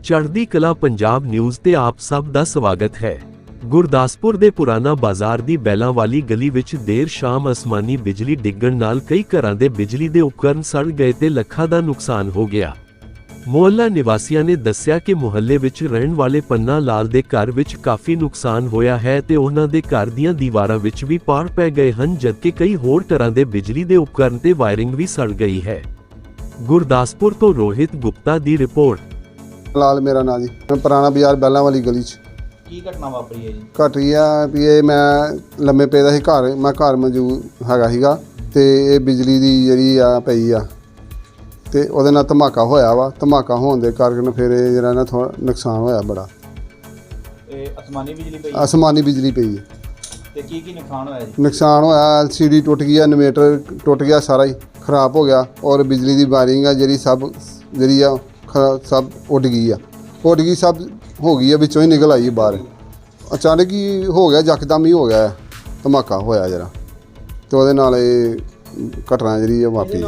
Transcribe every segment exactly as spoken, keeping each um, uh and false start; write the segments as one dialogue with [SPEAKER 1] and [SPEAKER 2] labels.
[SPEAKER 1] ਚੜ੍ਹਦੀ ਕਲਾ ਪੰਜਾਬ ਨਿਊਜ਼ ਤੇ ਆਪ ਸਭ ਦਾ ਸਵਾਗਤ ਹੈ। ਗੁਰਦਾਸਪੁਰ ਦੇ ਪੁਰਾਣਾ ਬਾਜ਼ਾਰ ਦੀ ਬੈਲਾਂ ਵਾਲੀ ਗਲੀ ਵਿੱਚ ਦੇਰ ਸ਼ਾਮ ਅਸਮਾਨੀ ਬਿਜਲੀ ਡਿੱਗਣ ਨਾਲ ਕਈ ਘਰਾਂ ਦੇ ਬਿਜਲੀ ਦੇ ਉਪਕਰਨ ਸੜ ਗਏ ਤੇ ਲੱਖਾਂ ਦਾ ਨੁਕਸਾਨ ਹੋ ਗਿਆ। ਮੁਹੱਲਾ ਨਿਵਾਸੀਆਂ ਨੇ ਦੱਸਿਆ ਕਿ ਮੁਹੱਲੇ ਵਿੱਚ ਰਹਿਣ ਵਾਲੇ ਪੰਨਾ ਲਾਲ ਦੇ ਘਰ ਵਿੱਚ ਕਾਫੀ ਨੁਕਸਾਨ ਹੋਇਆ ਹੈ ਤੇ ਉਹਨਾਂ ਦੇ ਘਰ ਦੀਆਂ ਦੀਵਾਰਾਂ ਵਿੱਚ ਵੀ ਪਾੜ ਪੈ ਗਏ ਹਨ, ਜਦਕਿ ਕਈ ਹੋਰ ਤਰ੍ਹਾਂ ਦੇ ਬਿਜਲੀ ਦੇ ਉਪਕਰਨ ਤੇ ਵਾਇਰਿੰਗ ਵੀ ਸੜ ਗਈ ਹੈ। ਗੁਰਦਾਸਪੁਰ ਤੋਂ ਰੋਹਿਤ ਗੁਪਤਾ ਦੀ ਰਿਪੋਰਟ।
[SPEAKER 2] ਲਾਲ ਮੇਰਾ ਨਾਂ ਜੀ, ਮੈਂ ਪੁਰਾਣਾ ਬਾਜ਼ਾਰ ਬੈਲਾਂ ਵਾਲੀ ਗਲੀ 'ਚ।
[SPEAKER 3] ਕੀ ਘਟਨਾ ਵਾਪਰੀ ਹੈ ਜੀ?
[SPEAKER 2] ਘਟੀ ਆ ਵੀ ਇਹ ਮੈਂ ਲੰਮੇ ਪਏ ਦਾ ਸੀ ਘਰ, ਮੈਂ ਘਰ ਮੌਜੂਦ ਹੈਗਾ ਸੀਗਾ ਤੇ ਇਹ ਬਿਜਲੀ ਦੀ ਜਿਹੜੀ ਆ ਪਈ ਆ ਤੇ ਉਹਦੇ ਨਾਲ ਧਮਾਕਾ ਹੋਇਆ ਵਾ। ਧਮਾਕਾ ਹੋਣ ਦੇ ਕਾਰਨ ਫਿਰ ਇਹ ਜਿਹੜਾ ਨਾ ਥੋੜਾ ਨੁਕਸਾਨ ਹੋਇਆ ਬੜਾ।
[SPEAKER 3] ਇਹ ਅਸਮਾਨੀ ਬਿਜਲੀ ਪਈ?
[SPEAKER 2] ਅਸਮਾਨੀ ਬਿਜਲੀ ਪਈ ਹੈ।
[SPEAKER 3] ਤੇ ਕੀ ਕੀ ਨੁਕਸਾਨ ਹੋਇਆ ਜੀ?
[SPEAKER 2] ਨੁਕਸਾਨ ਹੋਇਆ, ਐਲ ਸੀ ਡੀ ਟੁੱਟ ਗਈ, ਇਨਵੇਟਰ ਟੁੱਟ ਗਿਆ, ਸਾਰਾ ਹੀ ਖਰਾਬ ਹੋ ਗਿਆ ਔਰ ਬਿਜਲੀ ਦੀ ਵਾਇਰਿੰਗ ਆ ਜਿਹੜੀ ਸਭ ਜਿਹੜੀ ਆ ਸਭ ਉੱਡ ਗਈ ਆ ਉੱਡ ਗਈ ਸਭ ਹੋ ਗਈ ਆ, ਵਿੱਚੋਂ ਹੀ ਨਿਕਲ ਆਈ ਬਾਹਰ। ਅਚਾਨਕ ਹੀ ਹੋ ਗਿਆ, ਯਕਦਮ ਹੀ ਹੋ ਗਿਆ ਧਮਾਕਾ ਹੋਇਆ ਜਰਾ ਤੇ ਉਹਦੇ ਨਾਲ ਇਹ ਘਟਨਾ ਜਿਹੜੀ ਆ ਵਾਪਰੀ।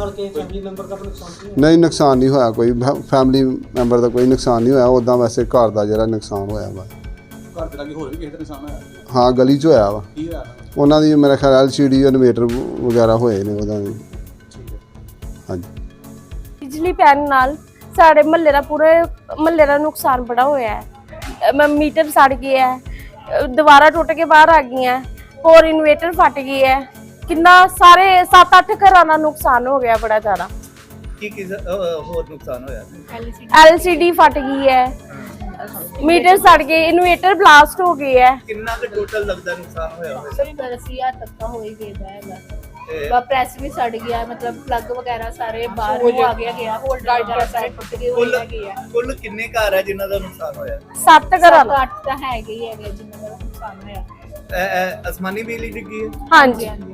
[SPEAKER 2] ਨਹੀਂ, ਨੁਕਸਾਨ ਨਹੀਂ ਹੋਇਆ ਕੋਈ, ਫੈਮਿਲੀ ਮੈਂਬਰ ਦਾ ਕੋਈ ਨੁਕਸਾਨ ਨਹੀਂ ਹੋਇਆ। ਉੱਦਾਂ ਵੈਸੇ ਘਰ ਦਾ ਜਿਹੜਾ ਨੁਕਸਾਨ ਹੋਇਆ ਵਾ।
[SPEAKER 4] ਘਰ ਦੇ ਲਾਗੇ ਹੋਰ ਵੀ ਕਿਸੇ ਦਾ ਨੁਕਸਾਨ ਹੋਇਆ?
[SPEAKER 2] ਹਾਂ, ਗਲੀ 'ਚ ਹੋਇਆ ਵਾ।
[SPEAKER 4] ਕੀ ਹੋਇਆ
[SPEAKER 2] ਉਹਨਾਂ ਦੀ ਮੇਰਾ ਖਿਆਲ ਐਲ ਸੀ ਡੀ ਇਨਵੇਟਰ ਵਗੈਰਾ ਹੋਏ ਨੇ ਉਹਨਾਂ ਦੇ। ਹਾਂਜੀ,
[SPEAKER 5] ਬਿਜਲੀ ਪੈਣ ਨਾਲ ਸਾਡੇ ਮਹੱਲੇ ਦਾ ਪੂਰੇ ਮਹੱਲੇ ਦਾ ਨੁਕਸਾਨ ਬੜਾ ਹੋਇਆ ਹੈ। ਮੀਟਰ ਸੜ ਗਏ ਹੈ, ਦੀਵਾਰਾਂ ਟੁੱਟ ਕੇ ਬਾਹਰ ਆ ਗਈਆਂ, ਹੋਰ ਇਨਵੇਟਰ ਫਟ ਗਈ ਹੈ। ਕਿੰਨਾ ਸਾਰੇ ਸੱਤ ਅੱਠ ਘਰਾਂ ਦਾ ਨੁਕਸਾਨ ਹੋ ਗਿਆ ਬੜਾ ਜ਼ਿਆਦਾ।
[SPEAKER 3] ਕੀ ਕੀ ਹੋਰ ਨੁਕਸਾਨ ਹੋਇਆ?
[SPEAKER 5] ਐਲ ਸੀ ਡੀ ਫਟ ਗਈ ਹੈ, ਮੀਟਰ ਸੜ ਗਏ, ਇਨਵੇਟਰ ਬਲਾਸਟ ਹੋ ਗਏ ਹੈ।
[SPEAKER 3] ਕਿੰਨਾ ਕੁ ਟੋਟਲ ਲੱਗਦਾ ਨੁਕਸਾਨ ਹੋਇਆ ਹੋਵੇ?
[SPEAKER 6] सत्तर अस्सी हज़ार तक का हो ही गया है। प्रेस भी सड़ गया, मतलब प्लग वगैरह सारे बाहर वो आ गया गया होल्डर वगैरह सारे टूट गए हो गया।
[SPEAKER 3] ਕੁੱਲ ਕਿੰਨੇ ਘਰ ਹੈ ਜਿਨ੍ਹਾਂ ਦਾ ਨੁਕਸਾਨ ਹੋਇਆ?
[SPEAKER 5] ਸੱਤ ਘਰਾਂ ਦਾ।
[SPEAKER 6] अठ तो है ही है जिन्होंने नुकसान होया।
[SPEAKER 3] ਇਹ- ਇਹ ਅਸਮਾਨੀ ਬਿਜਲੀ ਡਿੱਗੀ ਹੈ?
[SPEAKER 5] ਹਾਂਜੀ,